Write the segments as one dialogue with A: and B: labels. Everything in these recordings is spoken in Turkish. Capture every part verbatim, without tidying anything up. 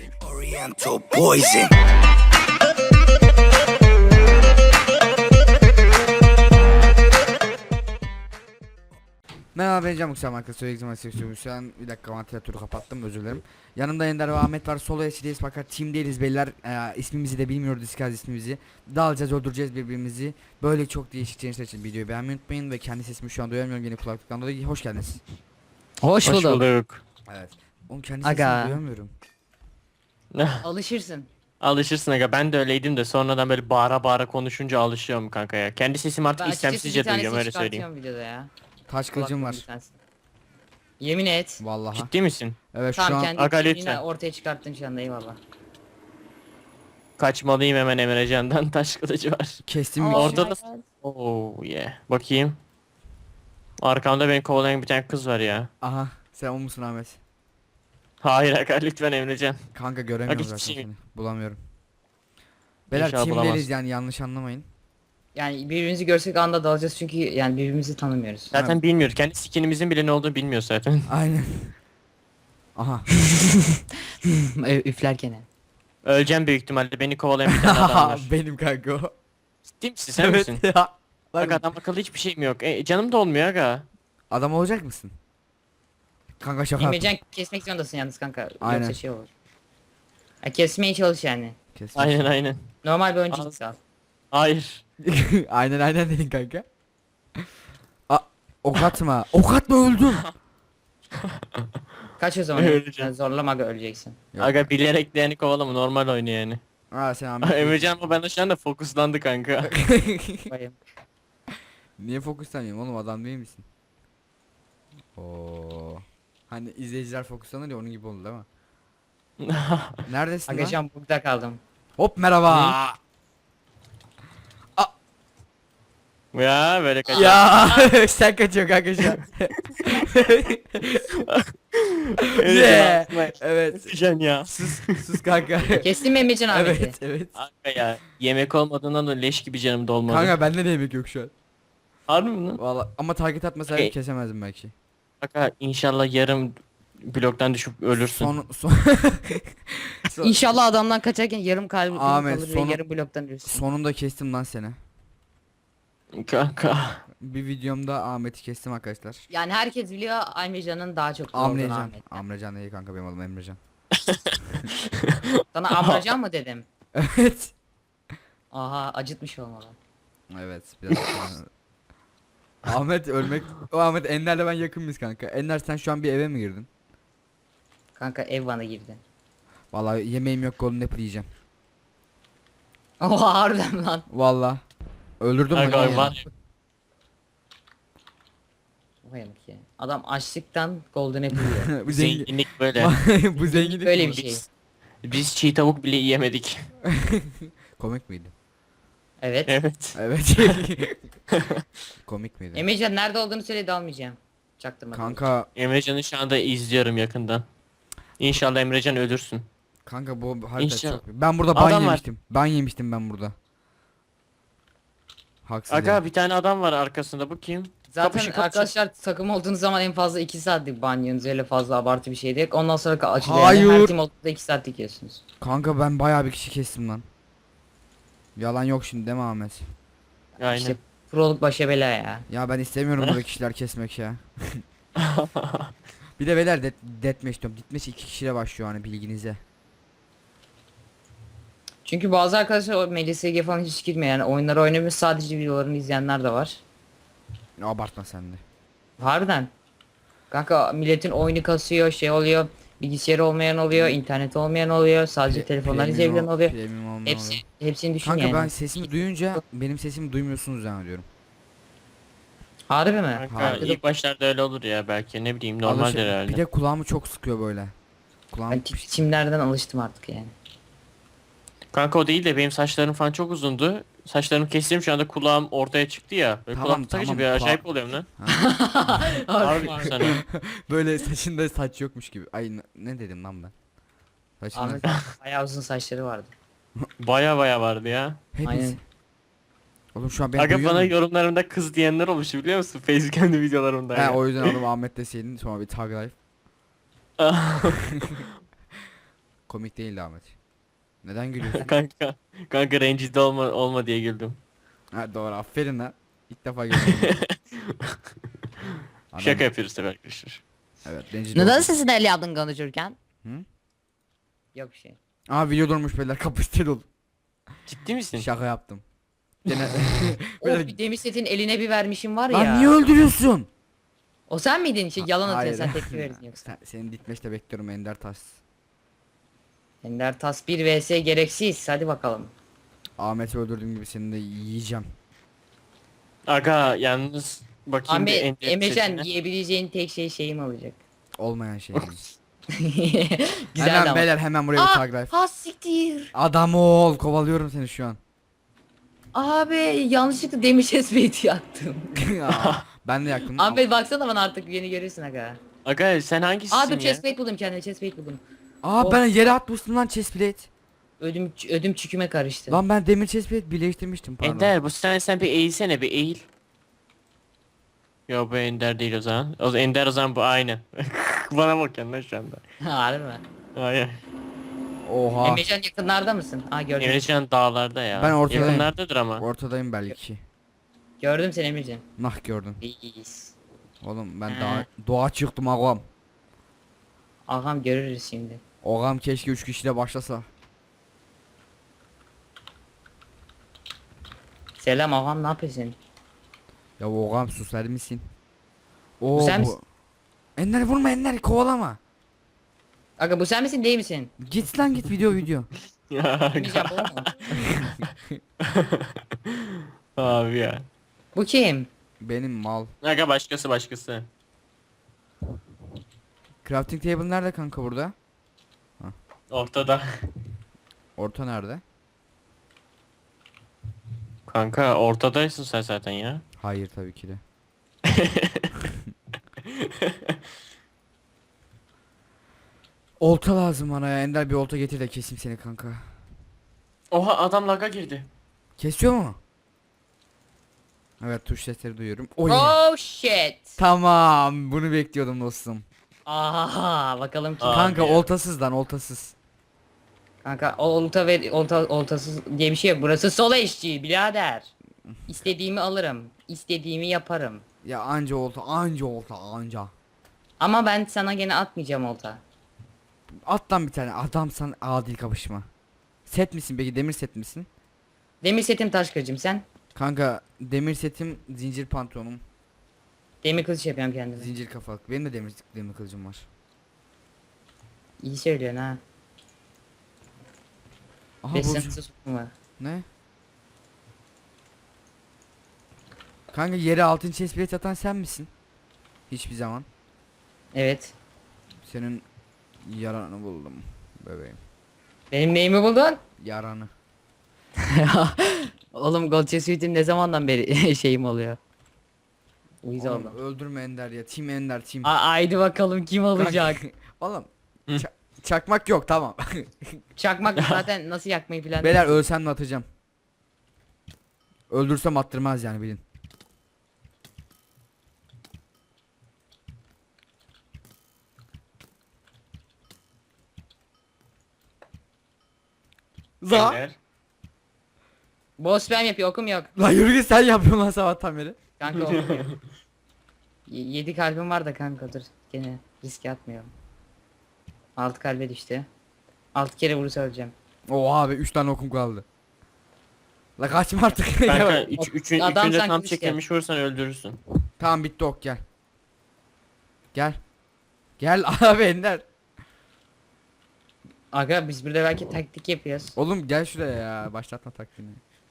A: Oriental poison.
B: Merhaba ben Can Muksal markası söyleyeceğim istiyorum. Şu an bir dakika vantilatörü kapattım, özür dilerim. Yanımda Ender ve Ahmet var. Solo eşliyiz fakat team değiliz beyler. Ee, ismimizi de bilmiyoruz, iskaz ismimizi. Dağılacağız, öldüreceğiz birbirimizi. Böyle çok değişik gençler için videoyu beğenmeyi unutmayın ve kendi sesimi şu an duyamıyorum yine kulaklıktan dolayı. Hoş geldiniz.
C: Hoş
D: Hoş
C: bulduk.
D: bulduk.
B: Evet. Oğlum kendi sesimi
C: Aga.
B: duyamıyorum.
C: Alışırsın.
D: Alışırsın aga, ben de öyleydim de sonradan böyle bağıra bağıra konuşunca alışıyorum kanka ya. Kendi sesimi artık
C: Ben açıkçası bir
D: istemsizce duyuyorum,
C: tanesini
D: öyle söyleyeyim.
C: çıkartıyorum videoda ya.
B: Taş kılıcım var.
C: Kulaklığın bir tanesi. Yemin et.
B: Vallahi.
D: Ciddi misin?
B: Evet şu
C: Tamam
B: an
C: kendi
D: Aga,
C: kimliğini
D: lütfen.
C: ortaya çıkarttın şu anda, eyvallah.
D: Kaçmalıyım hemen, Emrecan'dan taş kılıcı var.
B: kestim.
C: Aa,
B: bir-
D: Orada
C: my
D: da-
C: God.
D: Oo yeah. Bakayım. Arkamda beni kovalayan bir tane kız var ya.
B: Aha sen o musun Ahmet?
D: Hayır aga, lütfen Emrecan.
B: Kanka göremiyorum
D: Aga,
B: zaten
D: hiçbir şey-
B: seni. Bulamıyorum. Beyler
D: İnşallah
B: team
D: bulamaz.
B: değiliz yani, yanlış anlamayın.
C: Yani birbirimizi görsek anda dalacağız çünkü yani birbirimizi tanımıyoruz.
D: Zaten bilmiyoruz. Kendi skinimizin bile ne olduğunu bilmiyor zaten.
B: Aynen. Aha.
C: Ö- Üflerken. he.
D: Öleceğim büyük ihtimalle, beni kovalayan bir tane adam var.
B: Benim kanka o.
D: Ciddi misin, sen misin?
B: ya.
D: Aga,
B: Lan,
D: adam akıllı hiçbir şeyim yok. E, canım da olmuyor aga.
B: adam olacak mısın? Kanka şaka yaptım.
C: Emrecan kesmek zorundasın yalnız kanka.
B: Aynen.
C: Yoksa şey olur. Ya kesmeye çalış yani.
B: Kesin.
D: Aynen aynen.
C: Normal bir oyuncu
D: Al.
C: git al.
D: Hayır.
B: aynen aynen dedin kanka. A ok atma. Ok atma, öldüm.
C: Kaç o zaman.
D: Öleceğim.
C: Yani zorlama aga, öleceksin.
B: Yok.
D: Aga, bilerek de yani kovalama, normal oyunu yani.
B: Aa sen Ahmet.
D: Emrecan ama ben şu anda fokuslandı kanka.
C: Bayım.
B: Niye fokuslanıyorum oğlum, adam değil misin? Oo. Hani izleyiciler fokuslanır ya, onun gibi oldu değil mi? Neredesin
C: Aga
B: lan?
C: şu an bugda kaldım.
B: Hop merhaba.
D: Ya böyle kaçar.
B: Ya sen kaçıyor kanka şu an. Yeah. Evet.
D: Emrecan ya.
B: Sus sus kanka.
C: Kestin mi Emrecan Ahmet'i?
B: evet evet.
D: Kanka ya. Yemek olmadığından da leş gibi canım dolmadı.
B: Kanka bende de yemek yok şu an.
D: Harbi mi lan?
B: Valla ama target atmasaydım
D: Hey.
B: kesemezdim belki.
D: Kanka inşallah yarım bloktan düşüp ölürsün.
B: Son son, son
C: İnşallah adamdan kaçarken yarım kalbim
B: Ahmet,
C: kalır
B: sonu-
C: ve yarım bloktan ölürsün.
B: sonunda kestim lan seni.
D: Kanka.
B: Bir videomda Ahmet'i kestim arkadaşlar.
C: Yani herkes biliyor Emrecan'ın daha çok zor olduğunu
B: Amrecan.
C: Ahmet'ten.
B: Amrecan değil kanka, benim adım Emrecan.
C: Sana Amrecan mı dedim?
B: Evet.
C: Aha, acıtmış olmalı.
B: Evet biraz. Ahmet ölmek. O Ahmet Ender'le ben yakın mıyız kanka? Ender sen şu an bir eve mi girdin?
C: Kanka ev bana girdi.
B: Vallahi yemeğim yok, golden apple yiyeceğim.
C: Oha, harbiden lan.
B: Vallahi. Öldürdüm
D: Kanka
B: onu.
D: var ya.
C: Vay amk ya. Adam açlıktan golden apple yiyor.
B: Bu zengin.
D: Zenginlik böyle.
B: Bu zenginlik
C: Böyle
B: mi?
C: bir şey.
D: Biz, biz çiğ tavuk bile yiyemedik.
B: Komik miydi?
C: Evet.
D: Evet.
B: Evet. Komik miydi?
C: Emrecan nerede olduğunu söyle, dalmayacağım. Çaktırma.
B: Kanka
D: Emrecan'ı şu anda izliyorum yakından. İnşallah Emrecan ölürsün.
B: kanka bu harita
D: İnşallah.
B: çok. Ben burada ban
D: Adam var.
B: yemiştim. Ban yemiştim ben burada. Haksız.
D: Aga
B: yani.
D: bir tane adam var arkasında, bu kim?
C: Zaten
D: Kapışı, kapışı.
C: arkadaşlar takım olduğunuz zaman en fazla iki saatlik ban yiyorsunuz, öyle fazla abartı bir şey değil. Ondan sonra ka- açılıyor. Yani
B: Hayır.
C: her team olduğunda iki saatlik yiyorsunuz.
B: Kanka ben bayağı bir kişi kestim lan. Yalan yok şimdi değil mi Ahmet?
D: Aynen.
C: İşte proluk başa bela ya.
B: Ya ben istemiyorum burada kişiler kesmek ya. Bir de beyler det deathmatch diyorum. Deathmatch iki kişiyle başlıyor hani, bilginize.
C: Çünkü bazı arkadaşlar o M L S G falan hiç girmiyor, yani oyunları oynamış sadece videolarını izleyenler de var.
B: Abartma sen de.
C: Harbiden. Kanka milletin oyunu kasıyor, şey oluyor. Bilgisayarı olmayan oluyor, internet olmayan oluyor, sadece
B: Pre-
C: telefondan
B: premium
C: izleyebilen
B: ol-
C: oluyor.
B: premium olmayan
C: Hepsi
B: oluyor.
C: hepsini düşün
B: Kanka
C: yani.
B: ben sesimi duyunca benim sesimi duymuyorsunuz zannediyorum.
C: Harbi mi?
D: Kanka
B: Harbi.
D: ilk başlarda öyle olur ya, belki ne bileyim, normaldir
B: Alışık-
D: herhalde.
B: Bir de kulağımı çok sıkıyor böyle. Kulağım
C: Ben tip biçimlerden alıştım artık yani.
D: Kanka o değil de benim saçlarım falan çok uzundu. Saçlarımı kestim, şu anda kulağım ortaya çıktı ya. Böyle
B: Tamam,
D: kulağım takıcı
B: tamam,
D: bir
B: kula-
D: acayip oluyorum lan. Harbi sana.
B: böyle saçında saç yokmuş gibi. Ay ne, ne dedim lan ben? Saçında
C: Ahmet bayağı uzun saçları vardı.
D: Baya baya vardı ya.
B: hepsi.
C: Aynen.
B: Oğlum şu an beni
D: Aga
B: duyuyor
D: bana
B: musun?
D: yorumlarımda kız diyenler olmuştu, biliyor musun? Facecam'de videolarımda.
B: He
D: ya.
B: o yüzden adım Ahmet deseydin sonra bir tag life. komik değildi Ahmet. Neden gülüyorsun?
D: Kanka. Kanka rencide olma olma diye güldüm.
B: Ha doğru, aferin lan. İlk defa gördüm. Adam-
D: Şaka yapıyoruz tabii arkadaşlar.
B: Evet, rencide
C: Neden
B: oldum.
C: sesini el yaptın konuşurken?
B: Hı?
C: Yok bir şey.
B: Aa, video durmuş beyler, kapıştır ol.
D: Ciddi misin?
B: Şaka yaptım. Gene...
C: Of, bir demir setin eline bir vermişim var ya.
B: Lan niye öldürüyorsun?
C: O sen miydin? Şey, yalan atıyorsun,
B: Hayır.
C: sen tepki verdin yoksa.
B: Sen, senin ditmeşte bekliyorum Ender Taş.
C: Ender Tas bir vs gereksiz. Hadi bakalım.
B: Ahmet'i öldürdüğüm gibi seni de yiyeceğim.
D: Aga yalnız bakayım bir
C: Ahmet,
D: Ender
C: Emrecan
D: setine.
C: yiyebileceğin tek şey şeyim olacak.
B: Olmayan şey.
C: Güzel
B: Hemen
C: ama.
B: beyler, hemen buraya bir tag
C: Aa,
B: life.
C: ha siktir.
B: Adam ol, kovalıyorum seni şu an.
C: Abi yanlışlıkla demir chestplate'i yaktım.
B: Aa, ben de yaktım.
C: Ahmet baksana bana, artık beni görürsün aga.
D: Aga sen hangisisin
C: Aa dur,
D: ya?
C: chestplate buldum kendime, chestplate buldum.
B: Aa, ben yere atmıştım lan chestplate.
C: Ödüm ödüm çüküme karıştı.
B: Lan ben demir chestplate birleştirmiştim, pardon.
D: Ender bu sen sen bir eğilsene bir eğil. Yo bu Ender değil o zaman. O zaman Ender o zaman bu aynı. Bana bakın lan şu anda.
C: Harbi mi?
D: Hayır.
B: Oha.
C: Emrecan yakınlarda mısın? Aa gördüm.
D: Emrecan dağlarda ya.
B: Ben ortadayım.
D: Yakınlardadır ama.
B: Ortadayım belki.
C: Gördüm seni Emrecan.
B: Nah, gördün.
C: Reis.
B: Oğlum ben
C: He.
B: doğa, doğa çıktım ağam.
C: Ağam görürüz şimdi.
B: Ağam keşke üç kişiyle başlasa.
C: Selam ağam, ne yapıyorsun?
B: Ya ağam susar mısın? Oo,
C: Bu sen
B: bu-
C: misin?
B: Ender vurma, Ender kovalama.
C: Aga bu sen misin değil misin?
B: Git lan git, video video.
D: Ya
C: Emrecan bu mu?
D: abi ya.
C: Bu kim?
B: Benim mal.
D: Aga başkası başkası.
B: Crafting table nerede kanka burada?
D: Ortada.
B: Orta nerede?
D: Kanka ortadaysın sen zaten ya.
B: Hayır tabii ki de. Olta lazım bana ya. Ender bir olta getir de keseyim seni kanka.
D: Oha adam laga girdi.
B: Kesiyor mu? Evet, tuş sesleri duyuyorum. Oh yeah.
C: Oh shit.
B: Tamam, bunu bekliyordum dostum.
C: Aha bakalım kim?
D: Aa.
B: Kanka
D: ya.
B: oltasız lan, oltasız.
C: Kanka olta ve olta oltasız diye bir şey yok. Burası sol eşci birader. İstediğimi alırım. İstediğimi yaparım.
B: Ya anca olta, anca olta, anca.
C: Ama ben sana gene atmayacağım olta.
B: At lan bir tane, adamsan adil kapışma. Set misin peki, demir set misin?
C: Demir setim taş kılıcım, sen?
B: Kanka demir setim, zincir pantolonum,
C: Demir kılıç yapıyorum kendime.
B: zincir kafalık. Benim de demir, demir kılıcım var.
C: İyi söylüyorsun ha.
B: Aha
C: Beş
B: Burcu.
C: sınırsız var.
B: Ne? Kanka yere altın chestplate atan sen misin? Hiçbir zaman.
C: Evet.
B: Senin yaranı buldum bebeğim.
C: Benim neyimi buldun?
B: Yaranı.
C: Oğlum Gold Chest Suite'im ne zamandan beri şeyim oluyor. Uyuz
B: Oğlum,
C: oldum.
B: öldürme Ender ya. Team Ender team.
C: A- haydi bakalım kim olacak?
B: Oğlum.
D: Hı.
B: ça- çakmak yok, tamam.
C: Çakmak zaten nasıl yakmayı falan.
B: Beyler ölsem de atacağım. Öldürsem attırmaz yani, bilin. Za.
D: Ender.
C: Boss spam yapıyor, okum yok.
B: La yürü git, sen yapıyorsun lan sabahtan beri.
C: Kanka okum yok. Y- yedi kalbim var da kanka, dur. Gene riske atmıyorum. Altı kalbe düştü. Altı kere vurursa öleceğim.
B: Oha abi, üç tane okum kaldı. La kaçma artık.
D: Kanka üç, üçün,
C: Adam
D: üçünde
C: sanki
D: tam
C: işte.
D: çekilmiş vursan öldürürsün.
B: Tamam, bitti ok, gel. Gel. Gel abi Ender.
C: Aga biz burada belki taktik yapıyoruz.
B: Oğlum gel şuraya ya, başlatma taktiğini.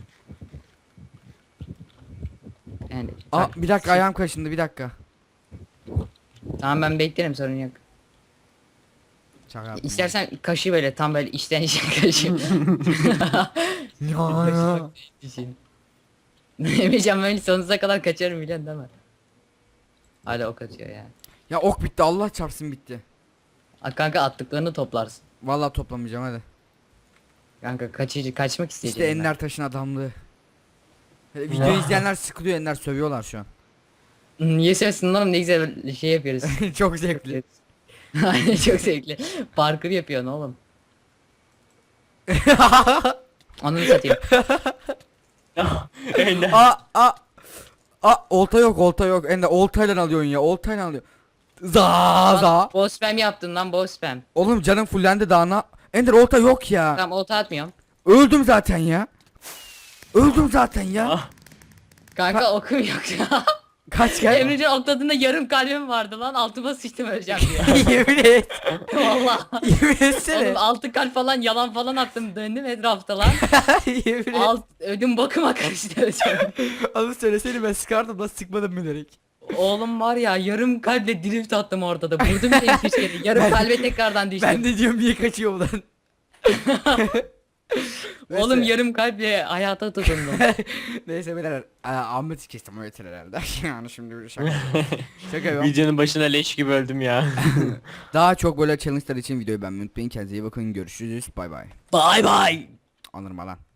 C: Yani
B: Aa
C: tak-
B: bir dakika, ayağım kaşındı, bir dakika.
C: Tamam ben beklerim, sorun yok.
B: Şaka yaptım.
C: İstersen kaşı böyle tam böyle içten içe kaşı.
B: Ya, ya.
C: Düşün. Emrecan böyle sonsuza kadar kaçarım biliyorsun değil mi? Hala ok atıyor ya.
B: Ya ok bitti, Allah çarpsın bitti.
C: A, kanka attıklarını toplarsın.
B: Vallahi toplamayacağım, hadi.
C: Kanka kaçıcı kaçmak
B: İşte
C: isteyeceğim ben.
B: Ender Taş'ın adamlığı. Hele video izleyenler sıkılıyor, Ender sövüyorlar şu an.
C: Niye sevsin oğlum, ne güzel şey yapıyoruz.
B: Çok zevkli.
C: Aynen çok zevkli. Parkur yapıyorsun oğlum. Ananı satayım.
D: Ender.
B: Aa aa. Aa olta yok olta yok. Ender oltayla alıyorsun ya. Oltayla alıyorsun. Za za.
C: Boss spam yaptın lan, boss spam.
B: Oğlum canım fullendi daha na. Ender olta yok ya.
C: Tamam, olta atmıyorum.
B: Öldüm zaten ya. Öldüm zaten ya.
D: Ah.
C: Kanka okum yok ya.
B: Kaç gel.
C: Emrecan okladığında yarım kalbim vardı lan, altıma sıçtım öleceğim diye.
B: Yemin et.
C: Valla.
B: Yemin etsene.
C: Oğlum altı kalp falan yalan falan attım, döndüm etrafta lan.
B: Yemin et.
C: Alt, ödüm bakıma karıştı öleceğim.
B: Onu söylesene ben sıkardım lan sıkmadım bilerek.
C: Oğlum var ya, yarım kalple drift attım ortada. Vurdum bir iki üç kere. Yarım
B: Ben-
C: kalbe tekrardan düştüm.
B: Ben de diyorum niye kaçıyor bu lan.
C: Oğlum
B: Neyse.
C: yarım kalple hayata tutundum.
B: Neyse beyler Aa, Ahmet'i kestim o yeter herhalde. Yani şimdi bir şaka. Şaka yapıyorum.
D: Videonun başına leş gibi öldüm ya.
B: Daha çok böyle challenge'lar için videoyu beğenmeyi unutmayın. Kendinize iyi bakın. Görüşürüz. Bay bay.
C: Bye bye.
B: Anırma lan.